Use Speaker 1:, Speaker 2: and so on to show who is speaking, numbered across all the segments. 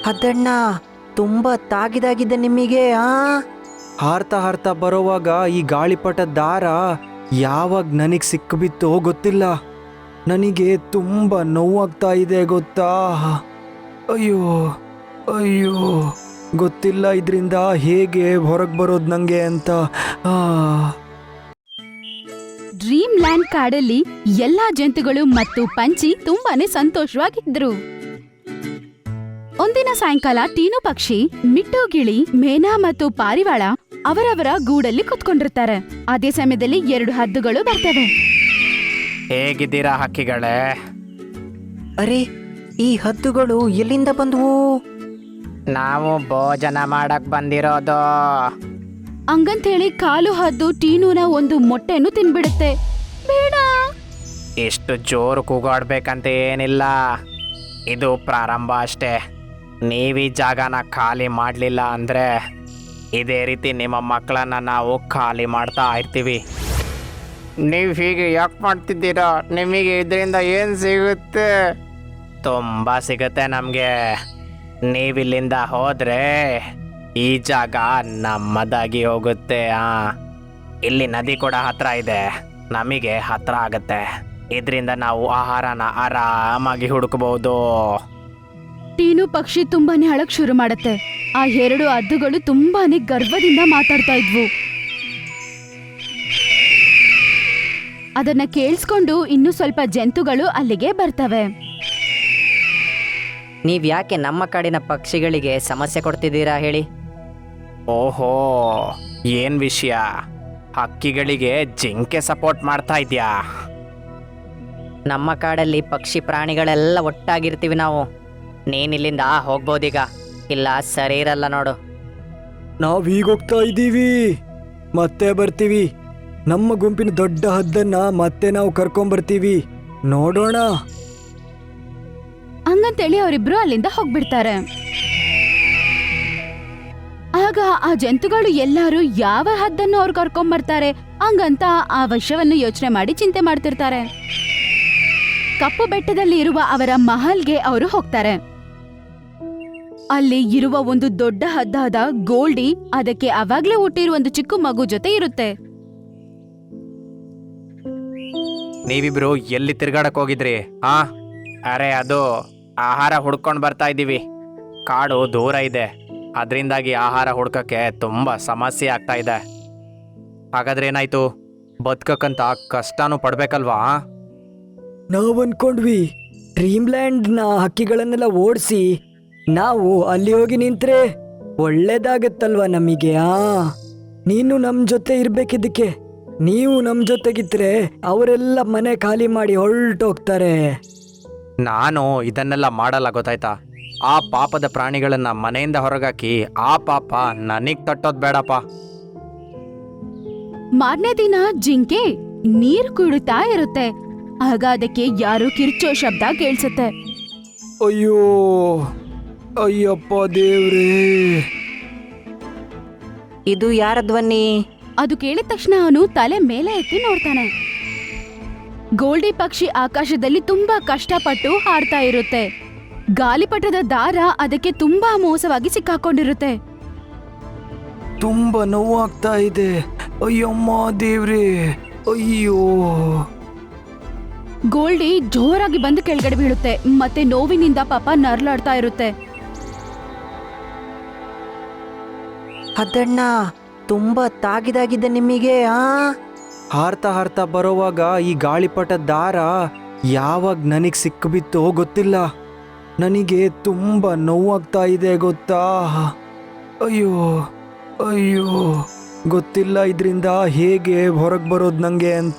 Speaker 1: ಅದಣ್ಣ ತುಂಬ ತಾಗಿದಾಗಿದೆ ನಿಮಗೆ ಹಾರ್ತಾ ಹಾರ್ತಾ ಬರೋವಾಗ ಈ ಗಾಳಿಪಟ ದಾರ ಯಾವಾಗ ನನಗೆ ಸಿಕ್ಕಿಬಿತ್ತೋ ಗೊತ್ತಿಲ್ಲ. ನನಗೆ ತುಂಬ ನೋವಾಗ್ತಾ ಇದೆ ಗೊತ್ತಾ. ಅಯ್ಯೋ ಅಯ್ಯೋ, ಗೊತ್ತಿಲ್ಲ ಇದರಿಂದ ಹೇಗೆ ಹೊರಗೆ ಬರೋದು ನನಗೆ ಅಂತ.
Speaker 2: ಡ್ರೀಮ್ ಲ್ಯಾಂಡ್ ಕಾಡಲ್ಲಿ ಎಲ್ಲಾ ಜಂತುಗಳು ಮತ್ತು ಪಂಚಿ ತುಂಬಾನೇ ಸಂತೋಷವಾಗಿದ್ರು. ಒಂದಿನ ಸಾಯಂಕಾಲ ಟೀನು ಪಕ್ಷಿ, ಮಿಟ್ಟು ಗಿಳಿ, ಮೇನಾ ಮತ್ತು ಪಾರಿವಾಳ ಅವರವರ ಗೂಡಲ್ಲಿ ಕುತ್ಕೊಂಡಿರ್ತಾರೆ. ಅದೇ ಸಮಯದಲ್ಲಿ 2 ಹದ್ದುಗಳು ಬರ್ತವೆ.
Speaker 3: ಹೇಗಿದ್ದೀರಾ ಹಕ್ಕಿಗಳೇ?
Speaker 1: ಅರೆ, ಈ ಹದ್ದುಗಳು ಎಲ್ಲಿಂದ ಬಂದವು?
Speaker 3: ನಾವು ಭೋಜನ ಮಾಡಕ್ ಬಂದಿರೋದು.
Speaker 2: ಹಂಗಂತೇಳಿ ಕಾಲು ಹದ್ದು ಟೀನುನ ಒಂದು ಮೊಟ್ಟೆಯನ್ನು ತಿನ್ಬಿಡುತ್ತೆ. ಬೇಡ.
Speaker 3: ಇಷ್ಟು ಜೋರು ಕೂಗಾಡ್ಬೇಕಂತ ಏನಿಲ್ಲ, ಇದು ಪ್ರಾರಂಭ ಅಷ್ಟೇ. ನೀವೀ ಜಾಗನ ಖಾಲಿ ಮಾಡಲಿಲ್ಲ ಅಂದರೆ ಇದೇ ರೀತಿ ನಿಮ್ಮ ಮಕ್ಕಳನ್ನ ನಾವು ಖಾಲಿ ಮಾಡ್ತಾ ಇರ್ತೀವಿ. ನೀವು ಹೀಗೆ ಯಾಕೆ ಮಾಡ್ತಿದ್ದೀರಾ? ನಿಮಗೆ ಇದರಿಂದ ಏನು ಸಿಗುತ್ತೆ? ತುಂಬ ಸಿಗುತ್ತೆ ನಮಗೆ. ನೀವಿಲ್ಲಿಂದ ಹೋದರೆ ಈ ಜಾಗ ನಮ್ಮದಾಗಿ ಹೋಗುತ್ತೆ. ಇಲ್ಲಿ ನದಿ ಕೂಡ ಹತ್ರ ಇದೆ, ನಮಗೆ ಹತ್ರ ಆಗುತ್ತೆ. ಇದರಿಂದ ನಾವು ಆಹಾರನ ಆರಾಮಾಗಿ ಹುಡುಕಬಹುದು.
Speaker 2: ಟೀನು ಪಕ್ಷಿ ತುಂಬಾನೇ ಅಳಕ್ ಶುರು ಮಾಡತ್ತೆ. ಆ 2 ಹದ್ದುಗಳು ತುಂಬಾನೇ ಗರ್ವದಿಂದ ಮಾತಾಡ್ತಾ ಇದ್ವು. ಅದನ್ನ ಕೇಳಿಸ್ಕೊಂಡು ಇನ್ನು ಸ್ವಲ್ಪ ಜಂತುಗಳು ಅಲ್ಲಿಗೆ ಬರ್ತವೆ.
Speaker 4: ನೀವ್ ಯಾಕೆ ನಮ್ಮ ಕಾಡಿನ ಪಕ್ಷಿಗಳಿಗೆ ಸಮಸ್ಯೆ ಕೊಡ್ತಿದ್ದೀರಾ ಹೇಳಿ?
Speaker 3: ಓಹೋ, ಏನ್ ವಿಷಯ? ಹಕ್ಕಿಗಳಿಗೆ ಜಿಂಕೆ ಸಪೋರ್ಟ್ ಮಾಡ್ತಾ ಇದ್ಯಾ?
Speaker 4: ನಮ್ಮ ಕಾಡಲ್ಲಿ ಪಕ್ಷಿ ಪ್ರಾಣಿಗಳೆಲ್ಲ ಒಟ್ಟಾಗಿರ್ತೀವಿ ನಾವು. ನೀನಿಲ್ಲಿಂದ ಹೋಗ್ಬೋದೀಗ, ಇಲ್ಲ ಸರಿ ಇರಲ್ಲ ನೋಡು.
Speaker 1: ನಾವೀಗ ಹೋಗ್ತಾ ಇದ್ದೀವಿ, ಮತ್ತೆ ಬರ್ತೀವಿ. ನಮ್ಮ ಗುಂಪಿನ ದೊಡ್ಡ ಹದ್ದನ್ನ ಮತ್ತೆ ನಾವು ಕರ್ಕೊಂಬರ್ತೀವಿ, ನೋಡೋಣ.
Speaker 2: ಹಂಗಂತೇಳಿ ಅವರಿಬ್ರು ಅಲ್ಲಿಂದ ಹೋಗ್ಬಿಡ್ತಾರೆ. ಆಗ ಆ ಜಂತುಗಳು ಎಲ್ಲಾರು ಯಾವ ಹದ್ದನ್ನು ಅವ್ರು ಕರ್ಕೊಂಬರ್ತಾರೆ ಹಂಗಂತ ಆ ವಿಷಯವನ್ನು ಯೋಚನೆ ಮಾಡಿ ಚಿಂತೆ ಮಾಡ್ತಿರ್ತಾರೆ. ಕಪ್ಪು ಬೆಟ್ಟದಲ್ಲಿ ಇರುವ ಅವರ ಮಹಲ್ಗೆ ಅವರು ಹೋಗ್ತಾರೆ. ಅಲ್ಲಿ ಇರುವ ಒಂದು ದೊಡ್ಡ ಹದ್ದಾದ ಗೋಲ್ಡಿ ಅದಕ್ಕೆ ಅವಾಗ್ಲೇ ಹುಟ್ಟಿರುವ ಒಂದು ಚಿಕ್ಕ ಮಗು ಜೊತೆ ಇರುತ್ತೆ.
Speaker 3: ನೀವಿಬ್ರು ಎಲ್ಲಿ ತಿರ್ಗಾಡಕ್ ಹೋಗಿದ್ರಿ? ಅರೆ, ಅದು ಆಹಾರ ಹುಡ್ಕೊಂಡು ಬರ್ತಾ ಇದ್ದೀವಿ. ಕಾಡು ದೂರ ಇದೆ, ಅದರಿಂದಾಗಿ ಆಹಾರ ಹುಡ್ಕಕ್ಕೆ ತುಂಬ ಸಮಸ್ಯೆ ಆಗ್ತಾ ಇದೆ. ಹಾಗಾದ್ರೆ ಏನಾಯ್ತು? ಬದುಕಕ್ಕಂತ ಕಷ್ಟನೂ ಪಡ್ಬೇಕಲ್ವಾ?
Speaker 1: ನಾವು ಅನ್ಕೊಂಡ್ವಿ ಡ್ರೀಮ್ಲ್ಯಾಂಡ್ನ ಹಕ್ಕಿಗಳನ್ನೆಲ್ಲ ಓಡಿಸಿ ನಾವು ಅಲ್ಲಿ ಹೋಗಿ ನಿಂತ್ರೆ ಒಳ್ಳೇದಾಗತ್ತಲ್ವಾ ನಮಗೆ. ನೀನು ನಮ್ಮ ಜೊತೆ ಇರ್ಬೇಕಿದ್ದಕ್ಕೆ. ನೀವು ನಮ್ಮ ಜೊತೆಗಿದ್ರೆ ಅವರೆಲ್ಲ ಮನೆ ಖಾಲಿ ಮಾಡಿ ಹೊರಟೋಗ್ತಾರೆ.
Speaker 3: ನಾನು ಇದನ್ನೆಲ್ಲ ಮಾಡಲ್ಲ, ಗೊತ್ತಾಯ್ತಾ? ಆ ಪಾಪದ ಪ್ರಾಣಿಗಳನ್ನ ಮನೆಯಿಂದ ಹೊರಗಾಕಿ ಆ ಪಾಪ ನನಗ್ ತಟ್ಟೋದ್ ಬೇಡಪ್ಪ.
Speaker 2: ಮಾರನೇ ದಿನ ಜಿಂಕೆ ನೀರ್ ಕುಡಿತಾ ಇರುತ್ತೆ. ಆಗ ಅದಕ್ಕೆ ಯಾರೋ ಕಿರ್ಚೋ ಶಬ್ದ ಕೇಳಿಸುತ್ತೆ.
Speaker 1: ಅಯ್ಯೋ ಅಯ್ಯಪ್ಪ ದೇವ್ರೇ, ಇದು ಯಾರ ಧ್ವನಿ?
Speaker 2: ಅದು ಕೇಳಿದ ತಕ್ಷಣ ಅವನು ತಲೆ ಮೇಲೆ ಎತ್ತಿ ನೋಡ್ತಾನೆ. ಗೋಲ್ಡಿ ಪಕ್ಷಿ ಆಕಾಶದಲ್ಲಿ ತುಂಬಾ ಕಷ್ಟಪಟ್ಟು ಹಾಡ್ತಾ ಇರುತ್ತೆ. ಗಾಲಿಪಟದ ದಾರ ಅದಕ್ಕೆ ತುಂಬಾ ಮೋಸವಾಗಿ ಸಿಕ್ಕಾಕೊಂಡಿರುತ್ತೆ.
Speaker 1: ತುಂಬ ನೋವಾಗ್ತಾ ಇದೆ. ಅಯ್ಯಮ್ಮ ದೇವ್ರೇ, ಅಯ್ಯೋ.
Speaker 2: ಗೋಲ್ಡಿ ಜೋರಾಗಿ ಬಂದು ಕೆಳಗಡೆ ಬೀಳುತ್ತೆ. ಮತ್ತೆ ನೋವಿನಿಂದ ಪಾಪ ನರ್ಲಾಡ್ತಾ ಇರುತ್ತೆ.
Speaker 1: ಅದಣ್ಣ ತುಂಬ ತಾಗಿದಾಗಿದೆ ನಿಮಗೆ. ಹಾರ್ತಾ ಹಾರ್ತಾ ಬರೋವಾಗ ಈ ಗಾಳಿಪಟ ದಾರ ಯಾವಾಗ ನನಗೆ ಸಿಕ್ಕಿಬಿತ್ತೋ ಗೊತ್ತಿಲ್ಲ. ನನಗೆ ತುಂಬ ನೋವಾಗ್ತಾ ಇದೆ ಗೊತ್ತಾ. ಅಯ್ಯೋ ಅಯ್ಯೋ, ಗೊತ್ತಿಲ್ಲ ಇದರಿಂದ ಹೇಗೆ ಹೊರಗೆ ಬರೋದು ನನಗೆ ಅಂತ.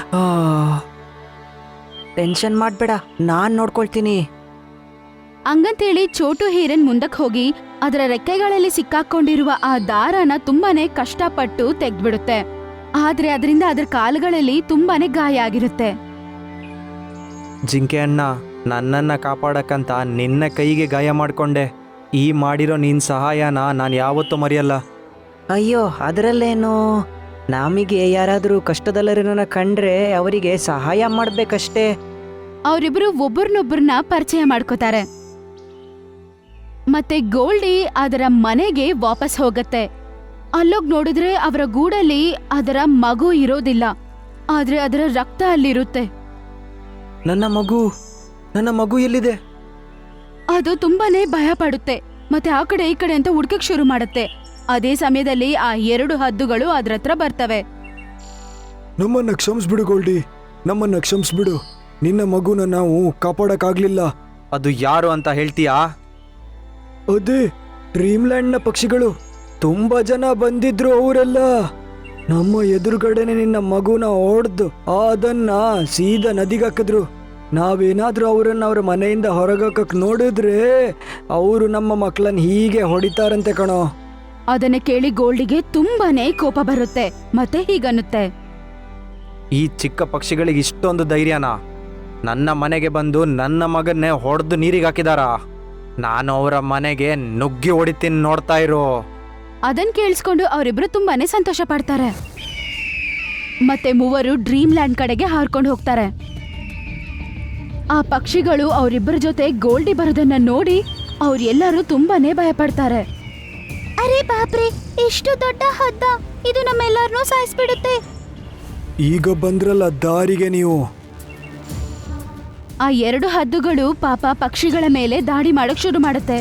Speaker 1: ಟೆನ್ಷನ್ ಮಾಡಬೇಡ, ನಾನು ನೋಡ್ಕೊಳ್ತೀನಿ.
Speaker 2: ಹಂಗಂತೇಳಿ ಚೋಟು ಹೀರನ್ ಮುಂದಕ್ಕೆ ಹೋಗಿ ಅದರ ರೆಕ್ಕೆಗಳಲ್ಲಿ ಸಿಕ್ಕಾಕೊಂಡಿರುವ ಆ ದಾರನ ತುಂಬಾನೇ ಕಷ್ಟಪಟ್ಟು ತೆಗ್ದ್ಬಿಡುತ್ತೆ. ಆದ್ರೆ ಅದರಿಂದ ಅದರ ಕಾಲುಗಳಲ್ಲಿ ತುಂಬಾನೇ ಗಾಯ ಆಗಿರುತ್ತೆ.
Speaker 1: ಜಿಂಕೆ ಅಣ್ಣ, ನನ್ನನ್ನು ಕಾಪಾಡಕ್ಕಂತ ನಿನ್ನ ಕೈಗೆ ಗಾಯ ಮಾಡಿಕೊಂಡೆ. ಈ ಮಾಡಿರೋ ನಿನ್ನ ಸಹಾಯನ ನಾನು ಯಾವತ್ತೂ ಮರೆಯಲ್ಲ. ಅಯ್ಯೋ, ಅದರಲ್ಲೇನು, ನಮಗೆ ಯಾರಾದರೂ ಕಷ್ಟದಲ್ಲರನ್ನ ಕಂಡ್ರೆ ಅವರಿಗೆ ಸಹಾಯ ಮಾಡಬೇಕಷ್ಟೇ.
Speaker 2: ಅವರಿಬ್ರು ಒಬ್ಬರನ್ನೊಬ್ಬರನ್ನ ಪರಿಚಯ ಮಾಡ್ಕೋತಾರೆ. ಮತ್ತೆ ಗೋಲ್ಡಿ ಅದರ ಮನೆಗೆ ವಾಪಸ್ ಹೋಗತ್ತೆ. ಅಲ್ಲೋಗ್ ನೋಡಿದ್ರೆ ಅವರ ಗೂಡಲ್ಲಿ ಅದರ ಮಗು ಇರೋದಿಲ್ಲ, ಆದ್ರೆ ಅದರ ರಕ್ತ ಅಲ್ಲಿರುತ್ತೆ.
Speaker 1: ನನ್ನ ಮಗು ಎಲ್ಲಿದೆ?
Speaker 2: ಅದು ತುಂಬಾನೇ ಭಯ ಪಡುತ್ತೆ ಮತ್ತೆ ಆ ಕಡೆ ಈ ಕಡೆ ಅಂತ ಹುಡ್ಕಕ್ ಶುರು ಮಾಡುತ್ತೆ. ಅದೇ ಸಮಯದಲ್ಲಿ ಆ 2 ಹದ್ದುಗಳು ಅದ್ರ ಹತ್ರ ಬರ್ತವೆ.
Speaker 5: ನಮ್ಮನ್ನ ಕ್ಷಮಿಸ್ಬಿಡು ಗೋಲ್ಡಿ, ನಮ್ಮನ್ನ ಕ್ಷಮಿಸ್ಬಿಡು. ನಿನ್ನ ಮಗುನ ನಾವು ಕಾಪಾಡಕ್ಕಾಗ್ಲಿಲ್ಲ.
Speaker 1: ಅದು ಯಾರು ಅಂತ ಹೇಳ್ತೀಯಾ?
Speaker 5: ಅದೇ ಡ್ರೀಮ್ಲ್ಯಾಂಡ್ನ ಪಕ್ಷಿಗಳು. ತುಂಬಾ ಜನ ಬಂದಿದ್ರು. ಅವರೆಲ್ಲ ನಮ್ಮ ಎದುರುಗಡೆನೆ ನಿನ್ನ ಮಗುನ ಹೊಡೆದು ಅದನ್ನ ಸೀದಾ ನದಿಗೆ ಹಾಕಿದ್ರು. ನಾವೇನಾದ್ರೂ ಅವರನ್ನ ಅವ್ರ ಮನೆಯಿಂದ ಹೊರಗಾಕಕ್ ನೋಡಿದ್ರೆ ಅವರು ನಮ್ಮ ಮಕ್ಕಳನ್ನ ಹೀಗೆ ಹೊಡಿತಾರಂತೆ ಕಣೋ.
Speaker 2: ಅದನ್ನ ಕೇಳಿ ಗೋಲ್ಡಿಗೆ ತುಂಬಾನೇ ಕೋಪ ಬರುತ್ತೆ ಮತ್ತೆ ಹೀಗನ್ನುತ್ತೆ,
Speaker 1: ಈ ಚಿಕ್ಕ ಪಕ್ಷಿಗಳಿಗೆ ಇಷ್ಟೊಂದು ಧೈರ್ಯನಾ? ನನ್ನ ಮನೆಗೆ ಬಂದು ನನ್ನ ಮಗನ್ನೇ ಹೊಡೆದು ನೀರಿಗೆ ಹಾಕಿದಾರಾ? ನಾನು ಅವರ ಮನೆಗೆ ನುಗ್ಗಿ ಹೊಡಿತೀನಿ, ನೋಡ್ತಾ ಇರು.
Speaker 2: ಅದನ್ ಕೇಳಿಸ್ಕೊಂಡು ಅವರಿಬ್ರು ತುಂಬಾನೇ ಸಂತೋಷ ಪಡ್ತಾರೆ. ಮತ್ತೆ ಮೂವರು ಡ್ರೀಮ್ ಲ್ಯಾಂಡ್ ಕಡೆಗೆ ಹಾರ್ಕೊಂಡು ಹೋಗ್ತಾರೆ. ಆ ಪಕ್ಷಿಗಳು ಅವರಿಬ್ಬರ ಜೊತೆ ಗೋಲ್ಡಿ ಬರೋದನ್ನ ನೋಡಿ ಅವ್ರೆಲ್ಲರೂ ತುಂಬಾನೇ ಭಯ ಪಡ್ತಾರೆ. ಅರೆ ಬಾಪ್ರೆ, ಎಷ್ಟು ದೊಡ್ಡ ಹದ್ದ, ಇದು ನಮ್ಮೆಲ್ಲರನ್ನೂ ಸಾಯಿಸ್ಬಿಡುತ್ತೆ.
Speaker 5: ಈಗ ಬಂದ್ರಲ್ಲ ದಾರಿಗೆ ನೀವು.
Speaker 2: ಆ 2 ಹದ್ದುಗಳು ಪಾಪ ಪಕ್ಷಿಗಳ ಮೇಲೆ ದಾಳಿ ಮಾಡಕ್ ಶುರು ಮಾಡುತ್ತೆ.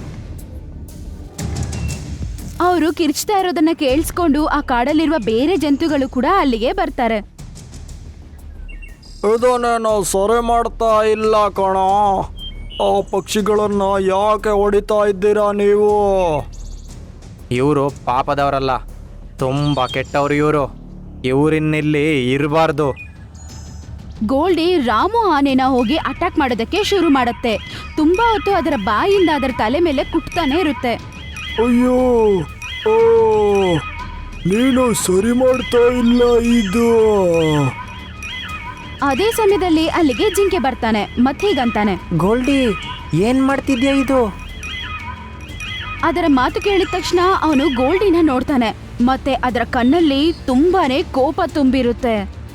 Speaker 2: ಅವರು ಕಿರ್ಚ್ತಾ ಇರೋದನ್ನ ಕೇಳಿಸ್ಕೊಂಡು ಆ ಕಾಡಲ್ಲಿರುವ ಬೇರೆ ಜಂತುಗಳು ಕೂಡ ಅಲ್ಲಿಗೆ ಬರ್ತಾರೆ.
Speaker 5: ಇದನ್ನೇನು ಸೊರೆ ಮಾಡ್ತಾ ಇಲ್ಲ ಕಣೋ. ಆ ಪಕ್ಷಿಗಳನ್ನ ಯಾಕೆ ಹೊಡಿತಾ ಇದ್ದೀರಾ ನೀವು?
Speaker 1: ಇವರು ಪಾಪದವರಲ್ಲ, ತುಂಬ ಕೆಟ್ಟವರು ಇವರು. ಇವರಿನ್ನಿಲ್ಲಿ ಇರಬಾರ್ದು.
Speaker 2: ಗೋಲ್ಡಿ ರಾಮು ಆನೆನ ಹೋಗಿ ಅಟ್ಯಾಕ್ ಮಾಡೋದಕ್ಕೆ ಶುರು ಮಾಡುತ್ತೆ. ತುಂಬಾ ಹೊತ್ತು ಅದರ ಬಾಯಿಂದ ಅದರ ತಲೆ ಮೇಲೆ ಕುಟ್ತಾನೆ ಇರುತ್ತೆ.
Speaker 5: ಅಯ್ಯೋ, ಓ, ನೀನು ಸರಿ ಮಾಡ್ತಾ ಇಲ್ಲ ಇದು.
Speaker 2: ಅದೇ ಸಮಯದಲ್ಲಿ ಅಲ್ಲಿಗೆ ಜಿಂಕೆ ಬರ್ತಾನೆ ಮತ್ತೆ ಹೀಗಂತಾನೆ,
Speaker 1: ಗೋಲ್ಡಿ, ಏನ್ ಮಾಡ್ತಿದ್ಯಾ ಇದು?
Speaker 2: ಅದರ ಮಾತು ಕೇಳಿದ ತಕ್ಷಣ ಅವನು ಗೋಲ್ಡಿನ ನೋಡ್ತಾನೆ ಮತ್ತೆ ಅದರ ಕಣ್ಣಲ್ಲಿ ತುಂಬಾನೇ ಕೋಪ ತುಂಬಿರುತ್ತೆ.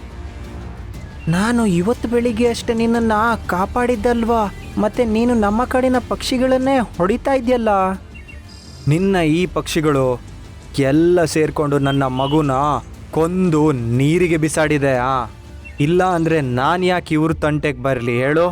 Speaker 1: ನಾನು ಇವತ್ತು ಬೆಳಿಗ್ಗೆ ಅಷ್ಟೇ ನಿನ್ನನ್ನು ಕಾಪಾಡಿದ್ದಲ್ವಾ, ಮತ್ತೆ ನೀನು ನಮ್ಮ ಕಡೆನ ಪಕ್ಷಿಗಳನ್ನೇ ಹೊಡಿತಾ ಇದೆಯಲ್ಲ. ನಿನ್ನ ಈ ಪಕ್ಷಿಗಳು ಎಲ್ಲ ಸೇರ್ಕೊಂಡು ನನ್ನ ಮಗುನ ಕೊಂದು ನೀರಿಗೆ ಬಿಸಾಡಿದೆ. ಇಲ್ಲ ಅಂದರೆ ನಾನು ಯಾಕೆ ಇವ್ರ ತಂಟೆಗೆ ಬರಲಿ ಹೇಳು?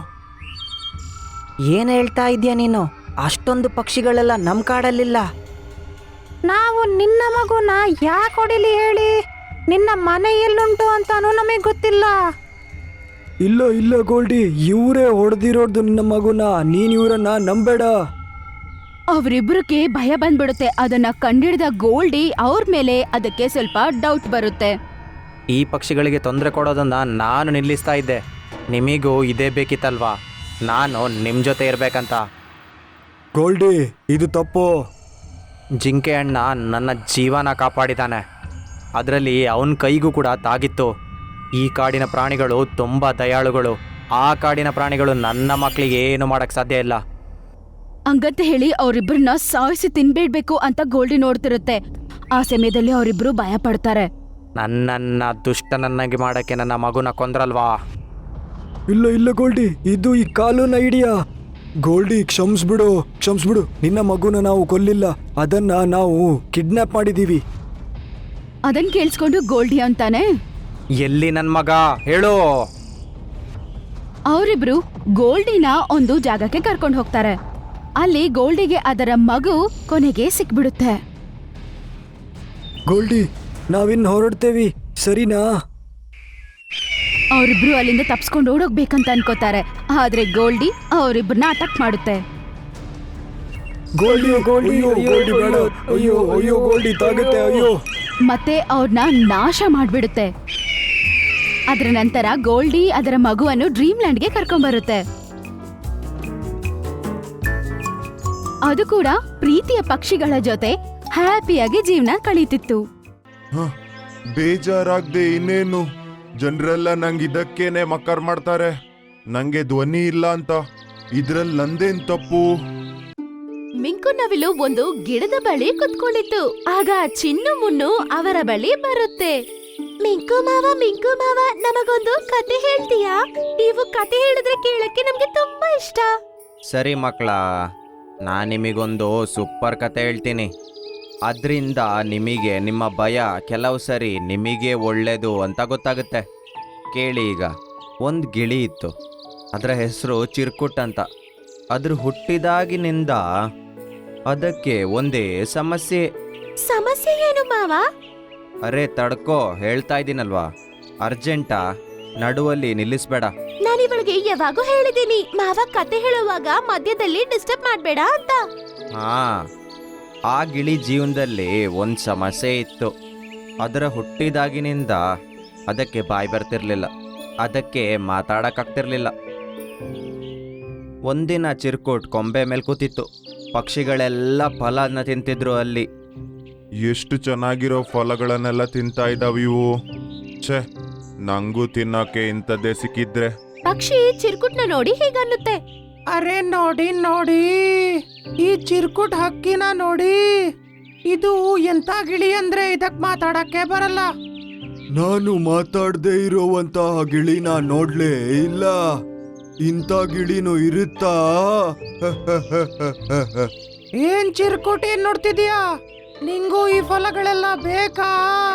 Speaker 4: ಏನ್ ಹೇಳ್ತಾ ಇದೀಯ ನೀನು? ಅಷ್ಟೊಂದು ಪಕ್ಷಿಗಳೆಲ್ಲ ನಮ್ ಕಾಡಲ್ಲಿಲ್ಲ. ನಾವು ನಿನ್ನ ಮಗುನ ಯಾಕೆ ಹೊಡಿಲಿ ಹೇಳಿ? ನಿನ್ನ ಮನೆ ಎಲ್ಲುಂಟು ಅಂತಾನೂ ನಮಗೆ ಗೊತ್ತಿಲ್ಲ.
Speaker 5: ಇಲ್ಲ ಇಲ್ಲ ಗೋಲ್ಡಿ, ಇವರೇ ಹೊಡೆದಿರೋದು ನಿನ್ನ ಮಗುನ. ನೀನ್ ಇವರನ್ನ ನಂಬೇಡ.
Speaker 2: ಅವರಿಬ್ಬರಿಗೆ ಭಯ ಬಂದ್ಬಿಡುತ್ತೆ. ಅದನ್ನ ಕಂಡಿಡಿದ ಗೋಲ್ಡಿ ಅವ್ರ ಮೇಲೆ ಅದಕ್ಕೆ ಸ್ವಲ್ಪ ಡೌಟ್ ಬರುತ್ತೆ.
Speaker 1: ಈ ಪಕ್ಷಿಗಳಿಗೆ ತೊಂದರೆ ಕೊಡೋದನ್ನ ನಾನು ನಿಲ್ಲಿಸ್ತಾ ಇದ್ದೆ. ನಿಮಗೂ ಇದೇ ಬೇಕಿತ್ತಲ್ವಾ, ನಾನು ನಿಮ್ಮ ಜೊತೆ ಇರಬೇಕಂತ.
Speaker 5: ಗೋಲ್ಡಿ, ಇದು ತಪ್ಪು.
Speaker 1: ಜಿಂಕೆ ಅಣ್ಣ ನನ್ನ ಜೀವನ ಕಾಪಾಡಿದ್ದಾನೆ, ಅದರಲ್ಲಿ ಅವನ ಕೈಗೂ ಕೂಡ ತಾಗಿತ್ತು. ಈ ಕಾಡಿನ ಪ್ರಾಣಿಗಳು ತುಂಬ ದಯಾಳುಗಳು. ಆ ಕಾಡಿನ ಪ್ರಾಣಿಗಳು ನನ್ನ ಮಕ್ಕಳಿಗೆ ಏನು ಮಾಡೋಕ್ಕೆ ಸಾಧ್ಯ ಇಲ್ಲ.
Speaker 2: ಹಂಗಂತ ಹೇಳಿ ಅವರಿಬ್ಬರನ್ನ ಸಾಯಿಸಿ ತಿನ್ಬೇಡ್ಬೇಕು ಅಂತ ಗೋಲ್ಡಿ ನೋಡ್ತಿರುತ್ತೆ. ಆ ಸಮಯದಲ್ಲಿ ಅವರಿಬ್ರು ಭಯ ಪಡ್ತಾರೆ.
Speaker 1: ನನ್ನನ್ನು ದುಷ್ಟನನ್ನಾಗಿ ಮಾಡೋಕ್ಕೆ ನನ್ನ ಮಗುನ ಕೊಂದ್ರಲ್ವಾ?
Speaker 5: ಇಲ್ಲ ಇಲ್ಲ ಗೋಲ್ಡಿ, ಇದು ಈ ಕಾಲುನ ಐಡಿಯಾ. ಗೋಲ್ಡಿ, ಕ್ಷಮಿಸ್ಬಿಡು. ನಿನ್ನ ಮಗುನ ನಾವು ಕೊಲ್ಲಿಲ್ಲ, ಅದನ್ನ ನಾವು ಕಿಡ್ನಾಪ್ ಮಾಡಿದೀವಿ.
Speaker 2: ಅದನ್ ಕೇಳಿಸ್ಕೊಂಡು ಗೋಲ್ಡಿ ಅಂತಾನೆ,
Speaker 1: ಎಲ್ಲಿ ನನ್ನ ಮಗ ಹೇಳು?
Speaker 2: ಅವರಿಬ್ರು ಗೋಲ್ಡಿನ ಒಂದು ಜಾಗಕ್ಕೆ ಕರ್ಕೊಂಡು ಹೋಗ್ತಾರೆ. ಅಲ್ಲಿ ಗೋಲ್ಡಿಗೆ ಅದರ ಮಗು ಕೊನೆಗೆ ಸಿಕ್ಬಿಡುತ್ತೆ.
Speaker 5: ಗೋಲ್ಡಿ, ನಾವಿನ್ ಹೊರಡ್ತೇವಿ, ಸರಿನಾ?
Speaker 2: ಅವರಿಬ್ರು ಅಲ್ಲಿಂದ ತಪ್ಸ್ಕೊಂಡು ಓಡೋಗ್ಬೇಕಂತ ಅನ್ಕೋತಾರೆ. ಆದ್ರೆ ಗೋಲ್ಡಿ ಅವರಿಬ್ಬರನ್ನ ಅಟ್ಯಾಕ್ ಮಾಡುತ್ತೆ.
Speaker 5: ಗೋಲ್ಡಿ, ಗೋಲ್ಡಿ, ಗೋಲ್ಡಿ ಬೇಡ. ಅಯ್ಯೋ ಅಯ್ಯೋ ಗೋಲ್ಡಿ ತಾಗುತ್ತೆ, ಅಯ್ಯೋ.
Speaker 2: ಮತ್ತೆ ಅವ್ರನ್ನ ನಾಶ ಮಾಡ್ಬಿಡುತ್ತೆ. ಅದರ ನಂತರ ಗೋಲ್ಡಿ ಅದರ ಮಗುವನ್ನು ಡ್ರೀಮ್ ಲ್ಯಾಂಡ್ಗೆ ಕರ್ಕೊಂಡ್ಬರುತ್ತೆ. ಅದು ಕೂಡ ಪ್ರೀತಿಯ ಪಕ್ಷಿಗಳ ಜೊತೆ ಹ್ಯಾಪಿಯಾಗಿ ಜೀವನ ಕಳೀತಿತ್ತು.
Speaker 6: ಬೇಜಾರಾಗ್ದೆ ಇನ್ನೇನು. ಜನರೆಲ್ಲ ನಂಗೆ ಇದಕ್ಕೇನೆ ಮಕ್ಕರ್ ಮಾಡ್ತಾರೆ. ನಂಗೆ ಧ್ವನಿ ಇಲ್ಲ ಅಂತ. ಇದ್ರಲ್ಲಿ ನಂದೇನ್ ತಪ್ಪು?
Speaker 2: ಮಿಂಕು ನವಿಲು ಒಂದು ಗಿಡದ ಬಳಿ ಕುತ್ಕೊಂಡಿತ್ತು. ಆಗ ಚಿನ್ನು ಮುನ್ನು ಅವರ ಬಳಿ ಬರುತ್ತೆ. ಮಿಂಕು ಮಾವ, ನಮಗೊಂದು ಕತೆ ಹೇಳ್ತೀಯಾ? ನೀವು ಕತೆ ಹೇಳಿದ್ರೆ ಕೇಳಕ್ಕೆ ನಮ್ಗೆ ತುಂಬಾ ಇಷ್ಟ.
Speaker 1: ಸರಿ ಮಕ್ಕಳ,
Speaker 3: ನಾನು ನಿಮಗೊಂದು ಸೂಪರ್ ಕತೆ ಹೇಳ್ತೀನಿ. ಅದರಿಂದ ನಿಮಗೆ ನಿಮ್ಮ ಭಯ ಕೆಲವು ಸರಿ ನಿಮಗೆ ಒಳ್ಳೆಯದು ಅಂತ ಗೊತ್ತಾಗುತ್ತೆ. ಕೇಳಿ ಈಗ. ಒಂದು ಗಿಳಿ ಇತ್ತು. ಅದರ ಹೆಸರು ಚಿರ್ಕುಟ್ ಅಂತ. ಅದ್ರ ಹುಟ್ಟಿದಾಗಿನಿಂದ ಅದಕ್ಕೆ ಒಂದೇ ಸಮಸ್ಯೆ.
Speaker 2: ಸಮಸ್ಯೆ ಏನು ಮಾವ?
Speaker 3: ಅರೆ ತಡ್ಕೋ, ಹೇಳ್ತಾ ಇದ್ದೀನಲ್ವಾ. ಅರ್ಜೆಂಟಾ, ನಡುವಲ್ಲಿ ನಿಲ್ಲಿಸ್ಬೇಡ.
Speaker 2: ನಾನಿವಳಿಗೆ ಯಾವಾಗೂ ಹೇಳಿದ್ದೀನಿ ಮಾವ ಕತೆ ಹೇಳುವಾಗ ಮಧ್ಯದಲ್ಲಿ ಡಿಸ್ಟರ್ಬ್ ಮಾಡಬೇಡ ಅಂತ.
Speaker 3: ಹಾ, ಆ ಗಿಳಿ ಜೀವನದಲ್ಲಿ ಒಂದು ಸಮಸ್ಯೆ ಇತ್ತು. ಅದರ ಹುಟ್ಟಿದಾಗಿನಿಂದ ಅದಕ್ಕೆ ಬಾಯಿ ಬರ್ತಿರ್ಲಿಲ್ಲ, ಅದಕ್ಕೆ ಮಾತಾಡಕ್ಕಾಗ್ತಿರ್ಲಿಲ್ಲ. ಒಂದಿನ ಚಿರ್ಕುಟ್ ಕೊಂಬೆ ಮೇಲೆ ಕೂತಿತ್ತು. ಪಕ್ಷಿಗಳೆಲ್ಲ ಫಲನ ತಿಂತಿದ್ರು ಅಲ್ಲಿ.
Speaker 6: ಎಷ್ಟು ಚೆನ್ನಾಗಿರೋ ಫಲಗಳನ್ನೆಲ್ಲ ತಿಂತಾ ಇದ್ದಾವೆ ಇವು. ಛೇ, ನಂಗೂ ತಿನ್ನೋಕೆ ಇಂಥದ್ದೇ ಸಿಕ್ಕಿದ್ರೆ.
Speaker 2: ಪಕ್ಷಿ ಚಿರ್ಕುಟ್ನ ನೋಡಿ ಹೀಗನ್ನುತ್ತೆ.
Speaker 1: ಅರೆ ನೋಡಿ ನೋಡಿ, ಈ ಚಿರ್ಕುಟ್ ಹಕ್ಕಿನ ನೋಡಿ. ಇದು ಎಂತ ಗಿಳಿ ಅಂದ್ರೆ ಇದಕ್ ಮಾತಾಡಕ್ಕೆ ಬರಲ್ಲ.
Speaker 5: ನಾನು ಮಾತಾಡದೆ ಇರೋವಂತಹ ಗಿಳಿನ ನೋಡ್ಲೇ ಇಲ್ಲ. ಇಂಥ ಗಿಳಿನೂ ಇರುತ್ತಾ?
Speaker 1: ಏನ್ ಚಿರ್ಕುಟ್, ಏನ್ ನೋಡ್ತಿದ್ಯಾ? ನಿಂಗೂ ಈ ಫಲಗಳೆಲ್ಲ ಬೇಕಾ?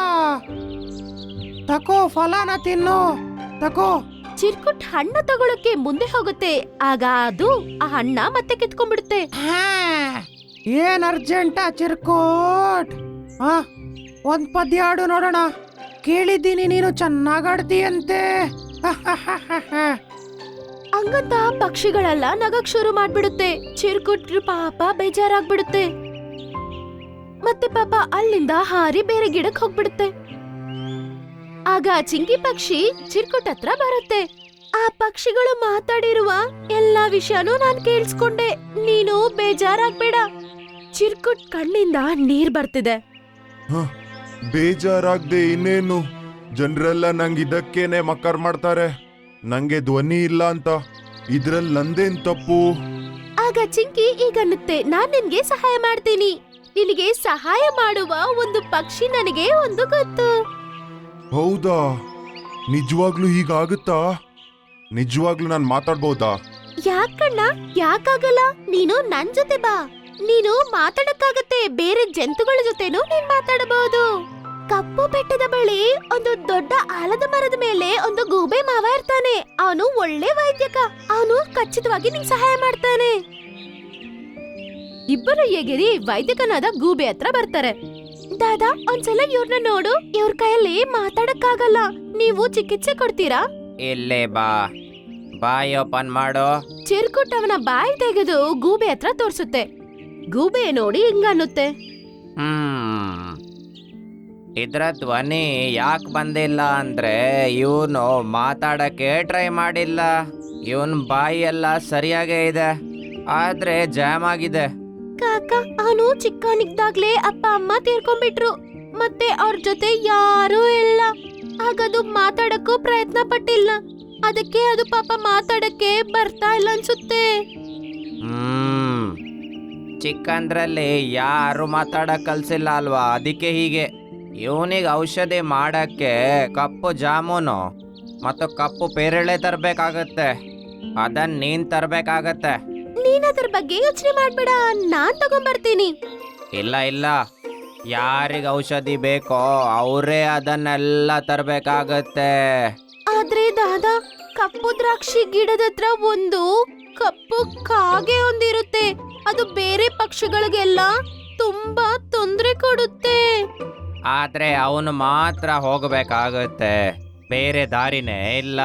Speaker 1: ತಕೋ, ಫಲನ ತಿನ್ನು, ತಕೋ.
Speaker 2: ಚಿರ್ಕುಟ್ ಹಣ್ಣು ತಗೊಳಕ್ಕೆ ಮುಂದೆ ಹೋಗುತ್ತೆ. ಆಗ ಅದು ಆ ಹಣ್ಣ ಮತ್ತೆ ಕಿತ್ಕೊಂಡ್ಬಿಡುತ್ತೆ.
Speaker 1: ಹಾ, ಏನ್ ಅರ್ಜೆಂಟಾ ಚಿರ್ಕುಟ್? ಹಾ, ಒಂದ್ ಪದ್ಯ ಹಾಡು ನೋಡೋಣ. ಕೇಳಿದ್ದೀನಿ ನೀನು ಚೆನ್ನಾಗ್ ಆಡ್ತೀಯಂತೆ.
Speaker 2: ಹಂಗಂತ ಪಕ್ಷಿಗಳೆಲ್ಲ ನಗಕ್ ಶುರು ಮಾಡ್ಬಿಡುತ್ತೆ. ಚಿರ್ಕುಟ್ ಪಾಪ ಬೇಜಾರಾಗ್ಬಿಡುತ್ತೆ. ಮತ್ತೆ ಪಾಪ ಅಲ್ಲಿಂದ ಹಾರಿ ಬೇರೆ ಗಿಡಕ್ ಹೋಗ್ಬಿಡುತ್ತೆ. ಆಗ ಚಿಂಕಿ ಪಕ್ಷಿ ಚಿರ್ಕುಟ್ ಹತ್ರ ಬರುತ್ತೆ. ಆ ಪಕ್ಷಿಗಳು ಮಾತಾಡಿರುವ ಎಲ್ಲಾ ವಿಷಯನೂ ನಾನ್ ಕೇಳಿಸ್ಕೊಂಡೆ. ನೀನು ಬೇಜಾರಾಗ್ಬೇಡ. ಚಿರ್ಕುಟ್ ಕಣ್ಣಿಂದ ನೀರ್ ಬರ್ತಿದೆ.
Speaker 6: ಬೇಜಾರಾಗ್ದೆ ಇನ್ನೇನು? ಜನರೆಲ್ಲ ನಂಗೆ ಇದಕ್ಕೇನೆ ಮಕ್ಕರ್ ಮಾಡ್ತಾರೆ. ನಂಗೆ ಧ್ವನಿ ಇಲ್ಲ ಅಂತ. ಇದ್ರಲ್ಲಿ ನಂದೇನ್ ತಪ್ಪು?
Speaker 2: ಆಗ ಚಿಂಕಿ ಈಗನ್ನುತ್ತೆ, ನಾನ್ ನಿನ್ಗೆ ಸಹಾಯ ಮಾಡ್ತೀನಿ. ನಿನಗೆ ಸಹಾಯ ಮಾಡುವ ಒಂದು ಪಕ್ಷಿ ನನಗೆ ಒಂದು ಗೊತ್ತು.
Speaker 6: ಹೌದಾ? ನಿಜವಾಗ್ಲೂ ಹೀಗಾಗುತ್ತಾ? ನಿಜವಾಗ್ಲೂ ನಾನು ಮಾತಾಡ್ಬೋದಾ?
Speaker 2: ಯಾಕಣ್ಣ, ಯಾಕಾಗಲ್ಲ? ನೀನು ನನ್ ಜೊತೆ ಬಾ. ನೀನು ಮಾತಾಡಕ್ಕಾಗತ್ತೆ. ಬೇರೆ ಜಂತುಗಳ ಜೊತೆನೂ ನೀನ್ ಮಾತಾಡಬಹುದು. ಕಪ್ಪು ಬೆಟ್ಟದ ಬಳಿ ಒಂದು ದೊಡ್ಡ ಆಲದ ಮರದ ಮೇಲೆ ಒಂದು ಗೂಬೆ ಮಾವ ಇರ್ತಾನೆ. ಅವನು ಒಳ್ಳೆ ವೈದ್ಯಕ. ಅವನು ಖಚಿತವಾಗಿ ನಿಂಗೆ ಸಹಾಯ ಮಾಡ್ತಾನೆ. ಇಬ್ಬರು ಎಗಿರಿ ವೈದ್ಯಕನಾದ ಗೂಬೆ ಹತ್ರ ಬರ್ತಾರೆ. ದಾದಾ, ಒಂದ್ಸಲ ಇವ್ರನ್ನ ನೋಡು. ಇವ್ರ ಕೈಯಲ್ಲಿ ಮಾತಾಡಕ್ಕಾಗಲ್ಲ. ನೀವು ಚಿಕಿತ್ಸೆ ಕೊಡ್ತೀರಾ?
Speaker 3: ಇಲ್ಲೇ ಬಾ, ಬಾಯಿ ಓಪನ್ ಮಾಡೋ.
Speaker 2: ಚಿರ್ಕುಟ್ ಅವನ ಬಾಯಿ ತೆಗೆದು ಗೂಬೆ ಹತ್ರ ತೋರ್ಸುತ್ತೆ. ಗೂಬೆ ನೋಡಿ ಹಿಂಗನ್ನುತ್ತೆ,
Speaker 3: ಇದ್ರ ಧ್ವನಿ ಯಾಕೆ ಬಂದಿಲ್ಲ ಅಂದ್ರೆ ಇವನು ಮಾತಾಡಕ್ಕೆ ಟ್ರೈ ಮಾಡಿಲ್ಲ. ಇವನ್ ಬಾಯಿ ಎಲ್ಲ ಸರಿಯಾಗೇ ಇದೆ, ಆದ್ರೆ ಜಾಮ್ ಆಗಿದೆ.
Speaker 2: ಕಾಕ, ಅವನು ಚಿಕ್ಕವನಿದ್ದಾಗ್ಲೇ ಅಪ್ಪ ಅಮ್ಮ ತೀರ್ಕೊಂಡ್ಬಿಟ್ರು. ಮತ್ತೆ ಅವ್ರ ಜೊತೆ ಯಾರೂ ಇಲ್ಲ. ಹಾಗದು ಮಾತಾಡಕ್ಕೂ ಪ್ರಯತ್ನ ಪಟ್ಟಿಲ್ಲ. ಅದಕ್ಕೆ ಅದು ಪಾಪ ಮಾತಾಡಕ್ಕೆ ಬರ್ತಾ ಇಲ್ಲ ಅನ್ಸುತ್ತೆ.
Speaker 3: ಚಿಕ್ಕಂದ್ರಲ್ಲಿ ಯಾರು ಮಾತಾಡಕ್ ಕಲ್ಸಿಲ್ಲ ಅಲ್ವಾ, ಅದಕ್ಕೆ ಹೀಗೆ. ಇವನಿಗೆ ಔಷಧಿ ಮಾಡಕ್ಕೆ ಕಪ್ಪು ಜಾಮೂನು ಮತ್ತು ಕಪ್ಪು ಪೇರಳೆ ತರಬೇಕಾಗತ್ತೆ. ಅದನ್ನ ನೀನ್ ತರಬೇಕಾಗತ್ತೆ.
Speaker 2: ನೀನ್ ಅದ್ರ ಬಗ್ಗೆ ಯೋಚನೆ ಮಾಡ್ಬೇಡ, ನಾನ್ ತಗೊಂಡ್ಬರ್ತೀನಿ.
Speaker 3: ಇಲ್ಲ ಇಲ್ಲ, ಯಾರಿಗೆ ಔಷಧಿ ಬೇಕೋ ಅವರೇ ಅದನ್ನೆಲ್ಲ ತರಬೇಕಾಗತ್ತೆ.
Speaker 2: ಆದ್ರೆ ದಾದಾ, ಕಪ್ಪು ದ್ರಾಕ್ಷಿ ಗಿಡದ ಹತ್ರ ಒಂದು ಕಪ್ಪು ಕಾಗೆ ಒಂದಿರುತ್ತೆ. ಅದು ಬೇರೆ ಪಕ್ಷಿಗಳಿಗೆಲ್ಲ ತುಂಬಾ ತೊಂದರೆ ಕೊಡುತ್ತೆ.
Speaker 3: ಆದ್ರೆ ಅವನು ಮಾತ್ರ ಹೋಗಬೇಕಾಗತ್ತೆ, ಬೇರೆ ದಾರಿನೇ ಇಲ್ಲ.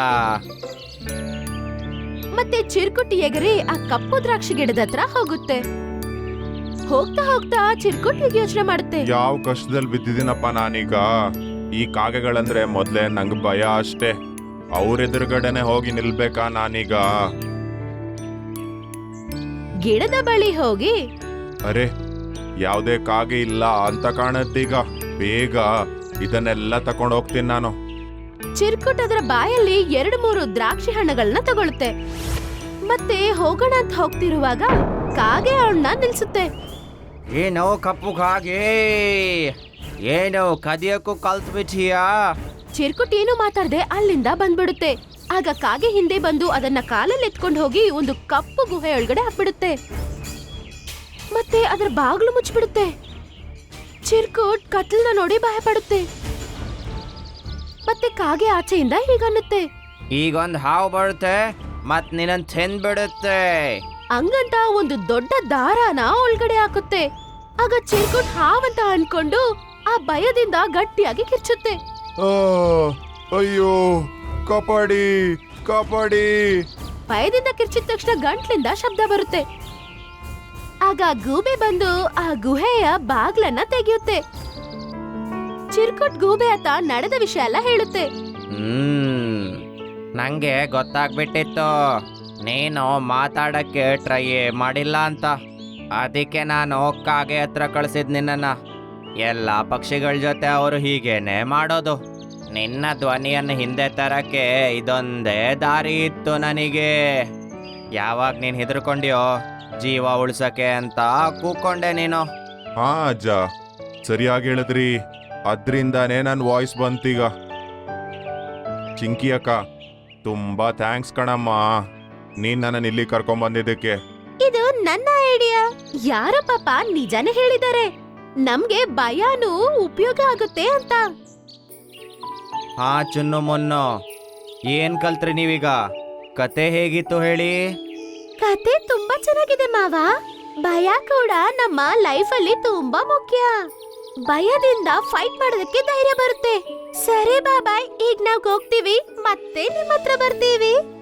Speaker 2: ಮತ್ತೆ ಚಿರ್ಕುಟ್ ಎಗರಿ ಆ ಕಪ್ಪು ದ್ರಾಕ್ಷಿ ಗಿಡದ ಹತ್ರ ಹೋಗುತ್ತೆ. ಹೋಗ್ತಾ ಹೋಗ್ತಾ ಚಿರ್ಕುಟ್ ಯೋಚನೆ ಮಾಡುತ್ತೆ,
Speaker 6: ಯಾವ ಕಷ್ಟದಲ್ಲಿ ಬಿದ್ದಿದ್ದೀನಪ್ಪ ನಾನೀಗ. ಈ ಕಾಗೆಗಳಂದ್ರೆ ಮೊದ್ಲೇ ನಂಗೆ ಭಯ ಅಷ್ಟೇ. ಅವ್ರೆದುರುಗಡೆನೆ ಹೋಗಿ ನಿಲ್ಬೇಕಾ ನಾನೀಗ?
Speaker 2: ಗಿಡದ ಬಳಿ ಹೋಗಿ,
Speaker 6: ಅರೆ, ಯಾವುದೇ ಕಾಗೆ ಇಲ್ಲ ಅಂತ ಕಾಣತ್ತೀಗ. ಬೇಗ ಇದನ್ನೆಲ್ಲ ತಕೊಂಡು ಹೋಗ್ತೀನಿ ನಾನು.
Speaker 2: ಚಿರ್ಕುಟ್ ಅದರ ಬಾಯಲ್ಲಿ 2-3 ದ್ರಾಕ್ಷಿ ಹಣ್ಣುಗಳನ್ನ ತಗೊಳುತ್ತೆ. ಮತ್ತೆ ಹೋಗೋಣ ಅಂತ ಹೋಗ್ತಿರುವಾಗ ಕಾಗೆ ಅವಳನ್ನ ನಿಲ್ಸುತ್ತೆ.
Speaker 3: ಏನೋ ಕಪ್ಪು ಕಾಗೆ, ಏನೋ ಕದಿಯಕ್ಕೂ ಕಲ್ತ್ಬಿಟ್ಟಿಯಾ?
Speaker 2: ಚಿರ್ಕುಟ್ ಏನು ಮಾತಾಡದೆ ಅಲ್ಲಿಂದ ಬಂದ್ಬಿಡುತ್ತೆ. ಆಗ ಕಾಗೆ ಹಿಂದೆ ಬಂದು ಅದನ್ನ ಕಾಲಲ್ಲಿ ಎತ್ಕೊಂಡು ಹೋಗಿ ಒಂದು ಕಪ್ಪು ಗುಹೆ ಒಳಗಡೆ ಹಾಕ್ಬಿಡುತ್ತೆ. ಮತ್ತೆ ಅದರ ಬಾಗ್ಲು ಮುಚ್ಚಿಬಿಡುತ್ತೆ. ಚಿರ್ಕುಟ್ ಕತ್ಲನ್ನ ನೋಡಿ ಭಯ ಪಡುತ್ತೆ. ಮತ್ತೆ ಕಾಗೆ ಆಚೆಯಿಂದ ಹೀಗನ್ನುತ್ತೆ,
Speaker 3: ಈಗೊಂದು ಹಾವು ಬರುತ್ತೆ ಮತ್ ನಿನ್ನನ್ ತಿಂದ್ಬಿಡುತ್ತೆ.
Speaker 2: ಹಂಗಂತ ಒಂದು ದೊಡ್ಡ ದಾರಾನ ಒಳಗಡೆ ಹಾಕುತ್ತೆ. ಆಗ ಚಿರ್ಕುಟ್ ಹಾವಂತ ಅನ್ಕೊಂಡು ಆ ಭಯದಿಂದ ಗಟ್ಟಿಯಾಗಿ ಕಿರ್ಚುತ್ತೆ.
Speaker 6: ಅಯ್ಯೋ, ಕಾಪಾಡಿ ಕಾಪಾಡಿ.
Speaker 2: ಭಯದಿಂದ ಕಿರ್ಚಿದ ತಕ್ಷಣ ಗಂಟ್ಲಿಂದ ಶಬ್ದ ಬರುತ್ತೆ. ಆಗ ಗೂಬೆ ಬಂದು ಆ ಗುಹೆಯ ಬಾಗ್ಲನ್ನ ತೆಗೆಯುತ್ತೆ. ಚಿರ್ಕುಟ್ ಗೂಬೆ ಹತ್ತ ನಡೆದ ವಿಷಯ ಎಲ್ಲ ಹೇಳುತ್ತೆ.
Speaker 3: ನಂಗೆ ಗೊತ್ತಾಗ್ಬಿಟ್ಟಿತ್ತು ನೀನು ಮಾತಾಡಕ್ಕೆ ಟ್ರೈ ಮಾಡಿಲ್ಲ ಅಂತ. ಅದಕ್ಕೆ ನಾನು ಕಾಗೆ ಹತ್ರ ಕಳ್ಸಿದ್ ನಿನ್ನನ್ನ. ಎಲ್ಲ ಪಕ್ಷಿಗಳ ಜೊತೆ ಅವರು ಹೀಗೇನೆ ಮಾಡೋದು. ನಿನ್ನ ಧ್ವನಿಯನ್ನು ಹಿಂದೆ ತರಕ್ಕೆ ಇದೊಂದೇ ದಾರಿ ಇತ್ತು ನನಗೆ. ಯಾವಾಗ ನೀನು ಹೆದರ್ಕೊಂಡ್ಯೋ ಜೀವ ಉಳ್ಸಕ್ಕೆ ಅಂತ ಕೂಕೊಂಡೆ ನೀನು.
Speaker 6: ಹಾ ಅಜ್ಜ, ಸರಿಯಾಗಿ ಹೇಳಿದ್ರಿ. ಅದ್ರಿಂದಾನೇ ನನ್ನ ವಾಯ್ಸ್ ಬಂತೀಗ. ಚಿಂಕಿ ಅಕ್ಕ, ತುಂಬಾ ಥ್ಯಾಂಕ್ಸ್ ಕಣಮ್ಮ, ನೀನ್ ನನ್ನ ಇಲ್ಲಿ ಕರ್ಕೊಂಡ್ ಬಂದಿದ್ದಕ್ಕೆ.
Speaker 2: ಇದು ನನ್ನ ಐಡಿಯಾ. ಯಾರ ಪಾಪ ನಿಜಾನೇ ಹೇಳಿದ್ದಾರೆ, ನಮ್ಗೆ ಭಯನೂ ಉಪಯೋಗ ಆಗುತ್ತೆ ಅಂತ.
Speaker 3: ಹಾ ಚುನ್ನು ಮುನ್ನು, ಏನ್ ಕಲ್ತ್ರಿ ನೀವೀಗ? ಕತೆ ಹೇಗಿತ್ತು ಹೇಳಿ?
Speaker 2: ಕತೆ ತುಂಬಾ ಚೆನ್ನಾಗಿದೆ ಮಾವ. ಭಯ ಕೂಡ ನಮ್ಮ ಲೈಫ್ ಅಲ್ಲಿ ತುಂಬಾ ಮುಖ್ಯ. ಭಯದಿಂದ ಫೈಟ್ ಮಾಡೋದಕ್ಕೆ ಧೈರ್ಯ ಬರುತ್ತೆ. ಸರಿ ಬಾಬಾಯ್, ಈಗ ನಾವ್ ಹೋಗ್ತೀವಿ, ಮತ್ತೆ ನಿಮ್ಮ ಹತ್ರ ಬರ್ತೀವಿ.